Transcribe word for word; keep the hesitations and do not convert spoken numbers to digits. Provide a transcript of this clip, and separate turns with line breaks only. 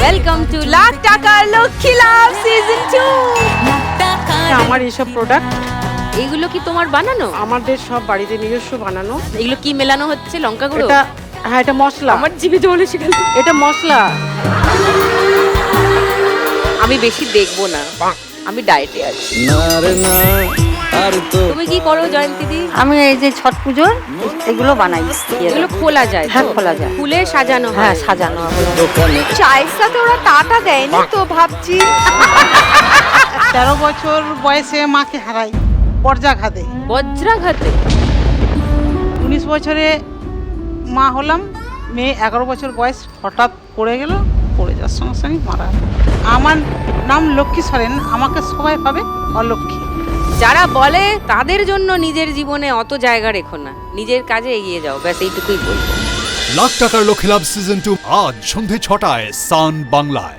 Welcome to lakh টাকার লক্ষ্মী লাভ season two.
আমার এইসব প্রোডাক্ট
এগুলো কি তোমার বানানো?
আমাদের সব বাড়িতে নিজস্ব বানানো।
এগুলো কি মেলানো হচ্ছে? লঙ্কা গুঁড়ো?
এটা হ্যাঁ, এটা মশলা।
আমার জিভে জল এসে গেল।
এটা মশলা।
আমি বেশি দেখবো না, আমি ডায়েটে আছি। তুমি কি করো জয়ন্তী দি?
আমি এই যে ছট পুজোর এগুলো বানাই।
এগুলো খোলা যায়?
হ্যাঁ, খোলা যায়।
ফুলে সাজানো হয়?
হ্যাঁ, সাজানো
চায়ের সাথে ওরা টাটা দেয়নি তো ভাবছি।
তেরো বছর বয়সে মাকে হারাই বজ্রাঘাতে।
বজ্রাঘাতে?
উনিশ বছরে মা হলাম, মেয়ে এগারো বছর বয়স হঠাৎ পড়ে গেল, পড়ে যাওয়ার সঙ্গে সঙ্গে মারা গেল। আমার নাম লক্ষ্মী সরেন, আমাকে সবাই ভাবে অলক্ষ্মী।
যারা বলে তাদের জন্য নিজের জীবনে অত জায়গা রেখো না, নিজের কাজে এগিয়ে যাও, ব্যাস এইটুকুই বলবো।
লাখ টাকার লক্ষ্মী লাভ সিজন টু আজ সন্ধে ছটায় সান বাংলায়।